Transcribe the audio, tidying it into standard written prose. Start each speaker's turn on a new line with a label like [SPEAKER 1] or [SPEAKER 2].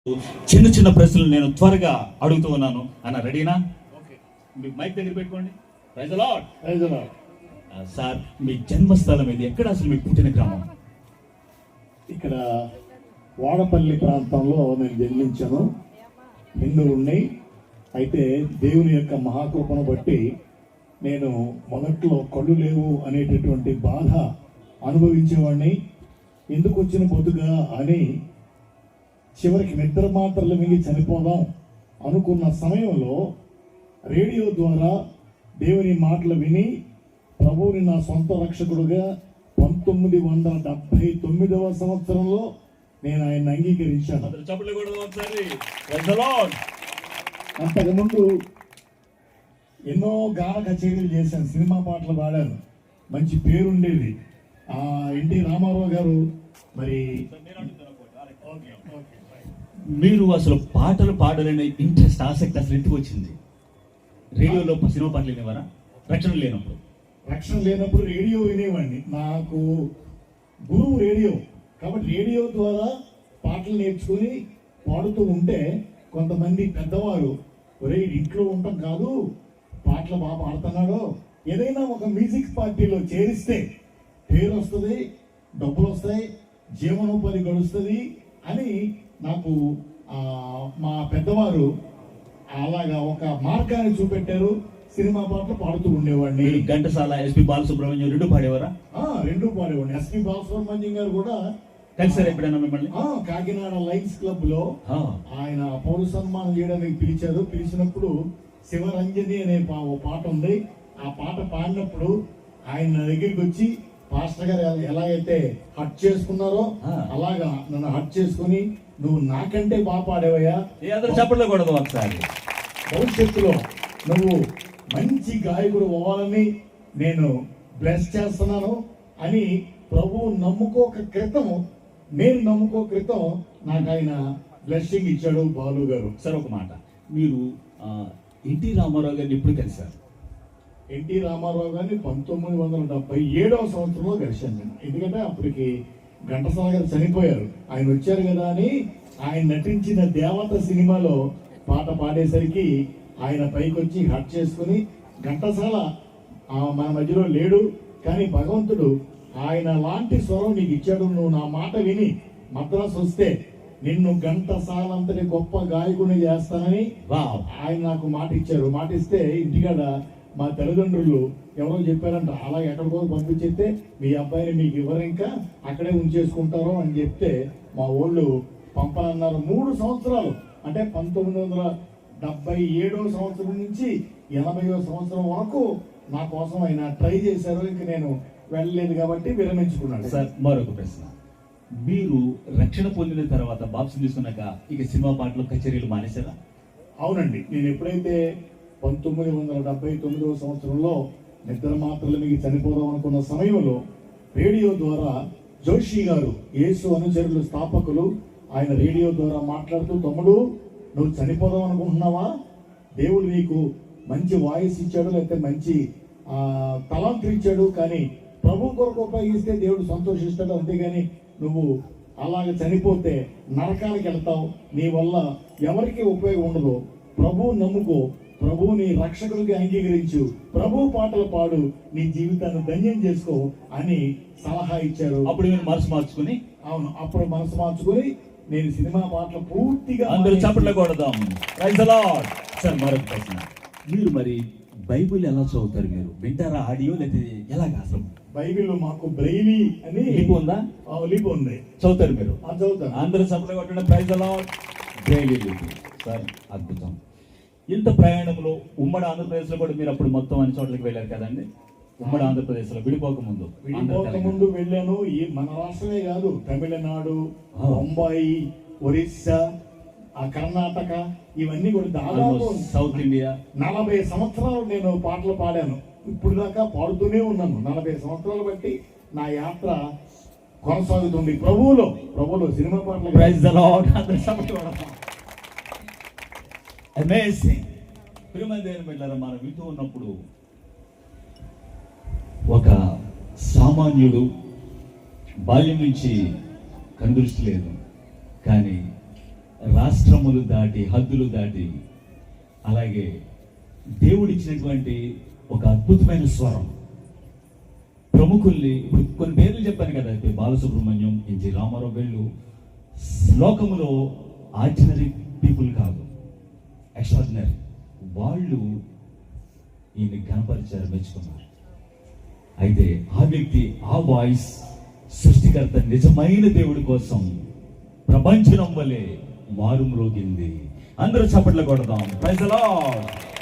[SPEAKER 1] చిన్న చిన్న ప్రశ్నలు నేను త్వరగా అడుగుతూ ఉన్నాను. అన్న రెడీనా? మీకు మైక్ దగ్గర పెట్టుకోండి. Praise the lord.
[SPEAKER 2] Praise the lord.
[SPEAKER 1] Sir, మీ జన్మస్థలం ఇది ఎక్కడ? అసలు మీ పుట్టిన గ్రామం?
[SPEAKER 2] ఇక్కడ వాడపల్లి ప్రాంతంలో నేను జన్మించాను. హిందువుణ్ణి. అయితే దేవుని యొక్క మహాకృపను బట్టి నేను మొదట్లో కళ్ళు లేవు అనేటటువంటి బాధ అనుభవించేవాడిని. ఎందుకు వచ్చిన బతుగా అని చివరికి నిద్ర మాత్రలు మింగి చనిపోదాం అనుకున్న సమయంలో రేడియో ద్వారా దేవుని మాటలు విని ప్రభువుని నా సొంత రక్షకుడుగా 1979వ సంవత్సరంలో నేను ఆయన అంగీకరించాను. అంతకుముందు ఎన్నో గాన కచేరీలు చేశాను, సినిమా పాటలు పాడాను, మంచి పేరుండేది. ఎన్టీ రామారావు గారు మరి
[SPEAKER 1] మీరు అసలు పాటలు పాడాలనే ఇంట్రెస్ట్, ఆసక్తి అసలు ఎందుకు వచ్చింది? రేడియోలో సినిమా పాటలు వినేవారా? రక్షణ లేనప్పుడు
[SPEAKER 2] రేడియో వినేవాడిని. నాకు గురువు రేడియో, కాబట్టి రేడియో ద్వారా పాటలు నేర్చుకుని పాడుతూ ఉంటే కొంతమంది పెద్దవారు, ఒరే ఇంట్లో ఉండటం కాదు, పాటలు బాగా పాడుతున్నాడో, ఏదైనా ఒక మ్యూజిక్ పార్టీలో చేరిస్తే పేరు వస్తుంది, డబ్బులు వస్తాయి, జీవనోపాధి గడుస్తుంది అని నాకు మా పెద్దవారు అలాగా ఒక మార్గాన్ని చూపెట్టారు. సినిమా పాటలు పాడుతూ ఉండేవాడిని.
[SPEAKER 1] ఘంటసాల, ఎస్పి బాలసుబ్రహ్మణ్యం రెండు పాడేవారా?
[SPEAKER 2] రెండు పాడేవాడిని. ఎస్పి బాలసుబ్రహ్మణ్యం గారు కూడా
[SPEAKER 1] కలిసారు ఎప్పుడైనా మిమ్మల్ని?
[SPEAKER 2] కాకినాడ లైన్స్ క్లబ్ లో ఆయన పౌర సన్మానం చేయడానికి పిలిచారు. పిలిచినప్పుడు శివరంజని అనే పాట ఉంది. ఆ పాట పాడినప్పుడు ఆయన నా దగ్గరికి వచ్చి, పాస్టర్ గారు ఎలాగైతే హట్ చేసుకున్నారో అలాగా నన్ను హట్ చేసుకుని, నువ్వు నాకంటే బాగా పాడేవయ్యా,
[SPEAKER 1] చెప్పకూడదు ఒకసారి,
[SPEAKER 2] భవిష్యత్తులో నువ్వు మంచి గాయకుడు అవ్వాలని నేను బ్లెస్ చేస్తున్నాను అని ప్రభువు నమ్ముకోక క్రితం నాకు ఆయన బ్లెస్సింగ్ ఇచ్చాడు బాలు గారు.
[SPEAKER 1] సరే, ఒక మాట, మీరు ఎన్టీ రామారావు గారిని ఎప్పుడు కలిశారు?
[SPEAKER 2] ఎన్టీ రామారావు గారిని 1977వ సంవత్సరంలో కలిశాను నేను. ఎందుకంటే అప్పటికి ఘంటసాల గారు చనిపోయారు. ఆయన వచ్చారు కదా అని ఆయన నటించిన దేవత సినిమాలో పాట పాడేసరికి ఆయన పైకి వచ్చి హట్ చేసుకుని, ఘంటసాల మన మధ్యలో లేడు కానీ భగవంతుడు ఆయన లాంటి స్వరం నీకు ఇచ్చాడు, నువ్వు నా మాట విని మద్రాసు వస్తే నిన్ను ఘంటసాల అంతటి గొప్ప గాయకుని చేస్తానని ఆయన నాకు మాట ఇచ్చారు. మాట ఇస్తే ఇంటికాడ మా తల్లిదండ్రులు ఎవరో చెప్పారంట, అలా ఎక్కడికో పంపించేస్తే మీ అబ్బాయిని మీకు ఇవ్వరు, ఇంకా అక్కడే ఉంచేసుకుంటారో అని చెప్తే మా వాళ్ళు పంపనన్నారు. 3 సంవత్సరాలు, అంటే 1977వ సంవత్సరం నుంచి 80వ సంవత్సరం వరకు నా కోసం ఆయన ట్రై చేశారు. ఇంక నేను వెళ్ళలేదు కాబట్టి విరమించుకున్నాను.
[SPEAKER 1] సార్, మరొక ప్రశ్న, మీరు రక్షణ పొందిన తర్వాత, బాప్సం తీసుకున్నాక ఇక సినిమా పాటలు, కచేరీలు మానేశారా?
[SPEAKER 2] అవునండి. నేను ఎప్పుడైతే 1979వ సంవత్సరంలో నిద్ర మాత్రలు మిగి చనిపోదాం అనుకున్న సమయంలో రేడియో ద్వారా జోషి గారు, యేసు అనుచరులు స్థాపకులు, ఆయన రేడియో ద్వారా మాట్లాడుతూ, తమ్ముడు నువ్వు చనిపోదాం అనుకుంటున్నావా? దేవుడు నీకు మంచి వాయిస్ ఇచ్చాడు, లేకపోతే మంచి తలాంతులు ఇచ్చాడు, కానీ ప్రభు కొరకు ఉపయోగిస్తే దేవుడు సంతోషిస్తాడు, అంతేగాని నువ్వు అలాగ చనిపోతే నరకానికి వెళ్తావు, నీ వల్ల ఎవరికి ఉపయోగం ఉండదు, ప్రభువు నమ్ముకో, ప్రభువుని రక్షకుడికి అంగీకరించు, ప్రభు పాటలు పాడు, నీ జీవితాన్ని ధన్యం చేసుకో అని సలహా ఇచ్చారు.
[SPEAKER 1] అప్పుడు నేను మనసు మార్చుకుని,
[SPEAKER 2] అవును, అప్పుడు మనసు మార్చుకుని నేను సినిమా పాటలు పూర్తిగా
[SPEAKER 1] అందరూ చప్పట్లు కొడదాం. Praise the lord. సార్, మరొక ప్రశ్న, మీరు మరి బైబిల్ ఎలా చదువుతారు? మీరు వింటారా ఆడియో, లేకపోతే ఎలాగా? అసలు
[SPEAKER 2] బైబిల్ మాకు బ్రైలీ అని
[SPEAKER 1] లిపి ఉందా?
[SPEAKER 2] లిపి ఉంది.
[SPEAKER 1] చదువుతారు మీరు?
[SPEAKER 2] చదువుతారు.
[SPEAKER 1] అందరూ చప్పట్లు కొట్టండి. Praise the lord. బ్రైలీ లిపి. సార్, అద్భుతం. ఇంత ప్రయాణంలో ఉమ్మడి ఆంధ్రప్రదేశ్లో కూడా మీరు అప్పుడు మొత్తం అన్ని చోట్లకి వెళ్ళారు కదండి? ఉమ్మడి ఆంధ్రప్రదేశ్లో విడిపోకముందు
[SPEAKER 2] వెళ్ళాను. మన రాష్ట్రమే కాదు, తమిళనాడు, బొంబాయి, ఒరిస్సా, కర్ణాటక, ఇవన్నీ కూడా దాదాపు
[SPEAKER 1] సౌత్ ఇండియా
[SPEAKER 2] 40 సంవత్సరాలు నేను పాటలు పాడాను. ఇప్పుడు దాకా పాడుతూనే ఉన్నాను. 40 సంవత్సరాలు బట్టి నా యాత్ర కొనసాగుతుంది ప్రభువులో సినిమా పాటలు.
[SPEAKER 1] Praise the lord. అమేజింగ్. ప్రియమైన దేవుని బిడ్డలారా, మనం వింటూ ఉన్నప్పుడు ఒక సామాన్యుడు, బాల్యం నుంచి కనుదృష్టి లేదు, కానీ రాష్ట్రములు దాటి, హద్దులు దాటి, అలాగే దేవుడిచ్చినటువంటి ఒక అద్భుతమైన స్వరం. ప్రముఖుల్ని ఇప్పుడు కొన్ని పేర్లు చెప్పాను కదా, ఇప్పుడు బాలసుబ్రహ్మణ్యం, ఎన్జి రామారావు, వీళ్ళు లోకములో ఆర్డినరీ పీపుల్ కాదు, ఎక్స్ట్రాడినరీ. వాళ్ళు ఈయన గణపరిచారు, మెచ్చుకున్నారు. అయితే ఆ వ్యక్తి, ఆ వాయిస్ సృష్టికర్త నిజమైన దేవుడి కోసం ప్రపంచం వలె మారుమ్రోగింది. అందరూ చప్పట్లు కొడదాం. Praise the lord.